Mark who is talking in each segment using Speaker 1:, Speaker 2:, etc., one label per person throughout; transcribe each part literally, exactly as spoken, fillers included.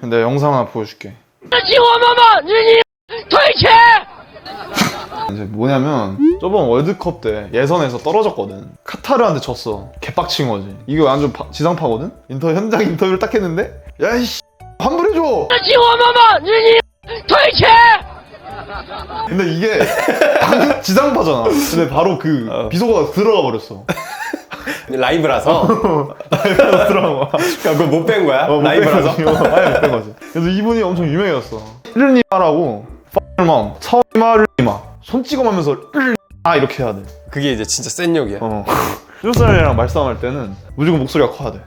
Speaker 1: 근데 영상 하나 보여줄게. 이제 뭐냐면 저번 월드컵 때 예선에서 떨어졌거든. 카타르한테 졌어. 개빡친 거지. 이게 완전 파, 지상파거든? 인터뷰, 현장 인터뷰를 딱 했는데 야이씨 환불해줘! 근데 이게 방금 지상파잖아. 근데 바로 그
Speaker 2: 어.
Speaker 1: 비속어가 들어가 버렸어.
Speaker 2: 라이브라서?
Speaker 1: 라이브라서 들어간 거야.
Speaker 2: 그거 못 뺀 거야?
Speaker 1: 어,
Speaker 2: 라이브라서?
Speaker 1: 아예 못뺀 거지. 그래서 이분이 엄청 유명해졌어. 르니마라고 펄맘 처마르니마 손 찍어가면서 르니마 이렇게 해야 돼.
Speaker 2: 그게 이제 진짜 센 욕이야.
Speaker 1: 어. 한국 사람이랑 말싸움할 때는 무조건 목소리가 커야 돼.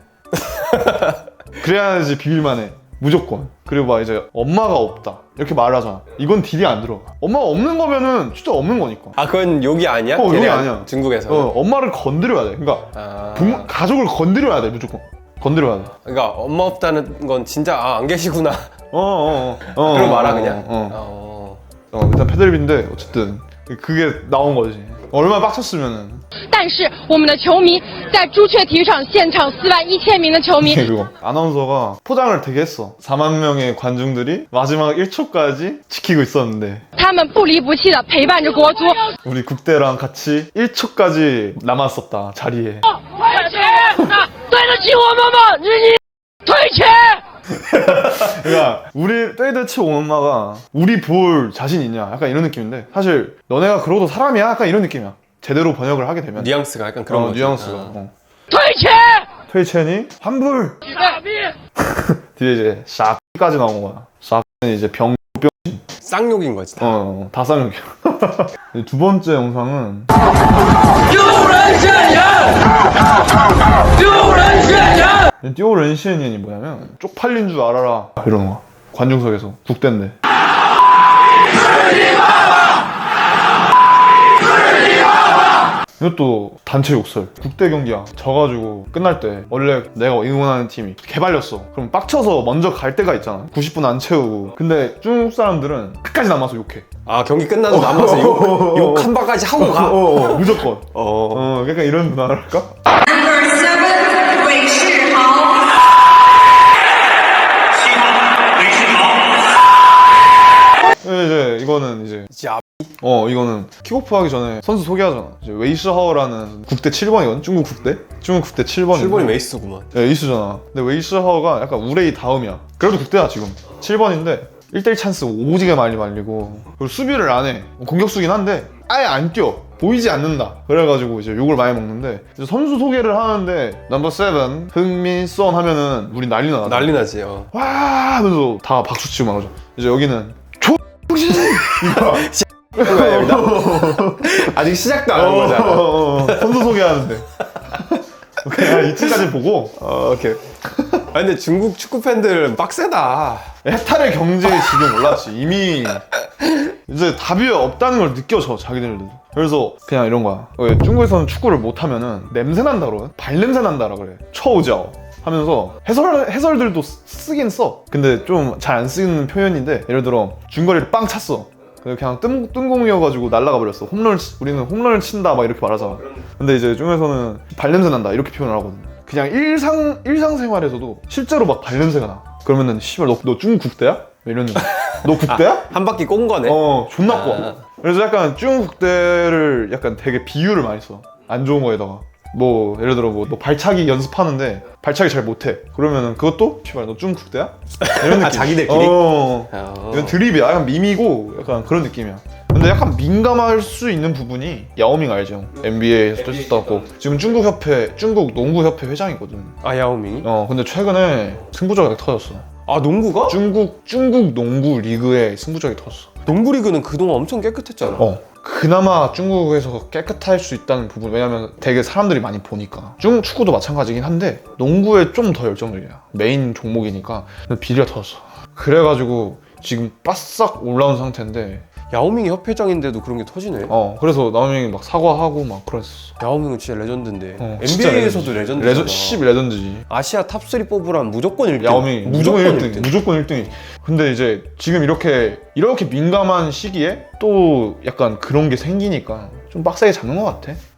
Speaker 1: 그래야지 비빌만해. 무조건. 그리고 막 이제 엄마가 없다 이렇게 말하잖아. 이건 딜이 안 들어가. 엄마가 없는 거면은 진짜 없는 거니까.
Speaker 2: 아 그건 욕이 아니야?
Speaker 1: 어, 욕이
Speaker 2: 걔네
Speaker 1: 아니야.
Speaker 2: 중국에서.
Speaker 1: 어, 엄마를 건드려야 돼. 그러니까
Speaker 2: 아...
Speaker 1: 부모, 가족을 건드려야 돼. 무조건 건드려야 돼.
Speaker 2: 그러니까 엄마 없다는 건 진짜 아, 안 계시구나.
Speaker 1: 어어어. 어, 어,
Speaker 2: 그럼
Speaker 1: 어,
Speaker 2: 말아
Speaker 1: 어,
Speaker 2: 그냥.
Speaker 1: 어, 어.
Speaker 2: 어.
Speaker 1: 어, 일단 패들빈데 어쨌든 그게 나온 거지. 얼마나 빡쳤으면은.
Speaker 3: 但是我们的球迷在朱雀体育场现场四万一千名的球迷
Speaker 1: 그리고 아나운서가 포장을 되게 했어. 사만 명의 관중들이 마지막 일 cho까지 지키고 있었는데
Speaker 3: 他们不离不弃的陪伴着国足。
Speaker 1: 우리 국대랑 같이 일 cho까지 남았었다 자리에.
Speaker 3: 退群！对得起我们吗？你退群！
Speaker 1: 그러니까 우리 떼드치 엄마가 우리 볼 자신 있냐 약간 이런 느낌인데 사실 너네가 그러고도 사람이야 약간 이런 느낌이야. 제대로 번역을 하게 되면
Speaker 2: 뉘앙스가 약간 그런
Speaker 1: 어,
Speaker 2: 거지.
Speaker 1: 뉘앙스가
Speaker 2: 아.
Speaker 1: 어.
Speaker 3: 退群！
Speaker 1: 퇴첸이 환불 뒤에 이제 샤까지 나온 거야. 샤는 이제 병
Speaker 2: 쌍욕인 거지. 다.
Speaker 1: 어, 다 쌍욕이야. 두 번째 영상은 띄오렌시엔이 뭐냐면 쪽팔린 줄 알아라 이러는 거야. 관중석에서 국대인데 이것도 단체 욕설. 국대 경기야 져가지고 끝날 때 원래 내가 응원하는 팀이 개발렸어. 그럼 빡쳐서 먼저 갈 때가 있잖아. 구십 분 안 채우고. 근데 중국 사람들은 끝까지 남아서 욕해.
Speaker 2: 아 경기 끝나도 남아서 욕, 욕 한 바가지 하고 가.
Speaker 1: 어, 어, 어, 무조건.
Speaker 2: 어.
Speaker 1: 어, 약간 이런 문화랄까?
Speaker 4: Number seven, Wei Shihao.
Speaker 1: 이제 이거는 이제
Speaker 2: 진짜
Speaker 1: 어 이거는 킥오프 하기 전에 선수 소개하잖아. 이제 웨이시하오라는 국대 칠 번이거든. 중국 국대. 중국 국대 칠 번인데
Speaker 2: 칠 번이 메이스구만.
Speaker 1: 네, 에이스잖아. 근데 웨이시하오가 약간 우레이 다음이야. 그래도 국대야 지금. 칠 번인데 일 대 일 찬스 오지게 많이 말리고 그리고 수비를 안 해. 공격수긴 한데 아예 안 뛰어. 보이지 않는다. 그래가지고 이제 욕을 많이 먹는데 이제 선수 소개를 하는데 넘버 세븐 흥민선 하면은 우리 난리 나.
Speaker 2: 난리 나지. 어.
Speaker 1: 와 하면서 다 박수 치고 말하죠. 이제 여기는 조정신 이거
Speaker 2: 그거야, 여기다? 아직 시작도 안 한 거잖아.
Speaker 1: 어, 어, 어. 선수 소개하는데 그냥 이쯤까지 보고
Speaker 2: 어, 오케이. 아 근데 중국 축구 팬들 빡세다.
Speaker 1: 해탈의 경제에 지금 올랐지. 이미 이제 답이 없다는 걸 느껴져 자기들도. 그래서 그냥 이런 거야. 왜 중국에서는 축구를 못하면은 냄새 난다 그러거든. 발냄새 난다라 그래. 처우자오 하면서 해설, 해설들도 쓰긴 써. 근데 좀 잘 안 쓰는 표현인데 예를 들어 중거리를 빵 찼어. 그냥 뜬, 뜬공이어가지고 날아가 버렸어. 홈런을 치, 우리는 홈런을 친다 막 이렇게 말하잖아. 근데 이제 중에서는 발냄새 난다 이렇게 표현을 하거든. 그냥 일상 일상생활에서도 실제로 막 발냄새가 나. 그러면은 씨발 너, 너 중국 국대야? 이러는 거야. 너 국대야?
Speaker 2: 아, 한 바퀴 꼰 거네.
Speaker 1: 어 존나
Speaker 2: 아.
Speaker 1: 꼬. 그래서 약간 중국 국대를 약간 되게 비유를 많이 써. 안 좋은 거에다가 뭐 예를 들어 뭐 너 발차기 연습하는데 발차기 잘 못해. 그러면은 그것도 씨발 너 중국 국대야? 이런 느낌.
Speaker 2: 아, 자기들끼리?
Speaker 1: 어.
Speaker 2: 어.
Speaker 1: 이건 드립이야. 약간 밈이고 약간 그런 느낌이야. 근데 약간 민감할 수 있는 부분이 야오밍 알죠? 엔비에이에서 뛰었었고 지금 중국 협회, 중국 농구 협회 회장이거든.
Speaker 2: 아 야오밍이?
Speaker 1: 어 근데 최근에 승부조작이 터졌어.
Speaker 2: 아 농구가?
Speaker 1: 중국 중국 농구 리그에 승부조작이 터졌어.
Speaker 2: 농구 리그는 그동안 엄청 깨끗했잖아.
Speaker 1: 어 그나마 중국에서 깨끗할 수 있다는 부분. 왜냐면 되게 사람들이 많이 보니까. 중국 축구도 마찬가지긴 한데 농구에 좀 더 열정적이야. 메인 종목이니까. 근데 비리가 터졌어. 그래가지고 지금 바싹 올라온 상태인데
Speaker 2: 야오밍이 협회장인데도 그런 게 터지네.
Speaker 1: 어 그래서 나오밍이 막 사과하고 막 그랬어.
Speaker 2: 야오밍은 진짜 레전드인데.
Speaker 1: 어, 진짜
Speaker 2: 엔비에이에서도 레전드잖아.
Speaker 1: 레전, 십 레전드지.
Speaker 2: 아시아 탑삼 뽑으라면 무조건 일 등.
Speaker 1: 야오밍이 무조건 일 등.
Speaker 2: 일 등.
Speaker 1: 무조건 일 등이. 근데 이제 지금 이렇게 이렇게 민감한 시기에 또 약간 그런 게 생기니까 좀 빡세게 잡는 것 같아.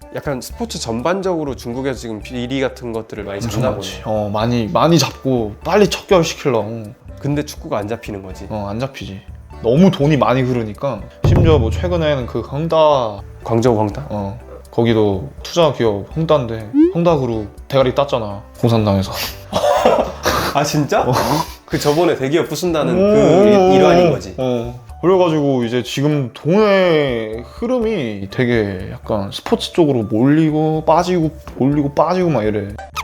Speaker 2: 약간 스포츠 전반적으로 중국에서 지금 비리 같은 것들을 많이
Speaker 1: 엄청
Speaker 2: 잡나
Speaker 1: 많지.
Speaker 2: 보네.
Speaker 1: 어 많이 많이 잡고 빨리 척결시키려고.
Speaker 2: 근데 축구가 안 잡히는 거지.
Speaker 1: 어 안 잡히지. 너무 돈이 많이 흐르니까. 심지어 뭐 최근에는 그 헝다
Speaker 2: 광저우 황다?
Speaker 1: 어 거기도 투자 기업 헝다인데 헝다그룹 대가리 땄잖아 공산당에서.
Speaker 2: 아 진짜?
Speaker 1: 어.
Speaker 2: 그 저번에 대기업 부순다는
Speaker 1: 오,
Speaker 2: 그 일- 일환인 거지.
Speaker 1: 어. 그래가지고 이제 지금 돈의 흐름이 되게 약간 스포츠 쪽으로 몰리고 빠지고 몰리고 빠지고 막 이래.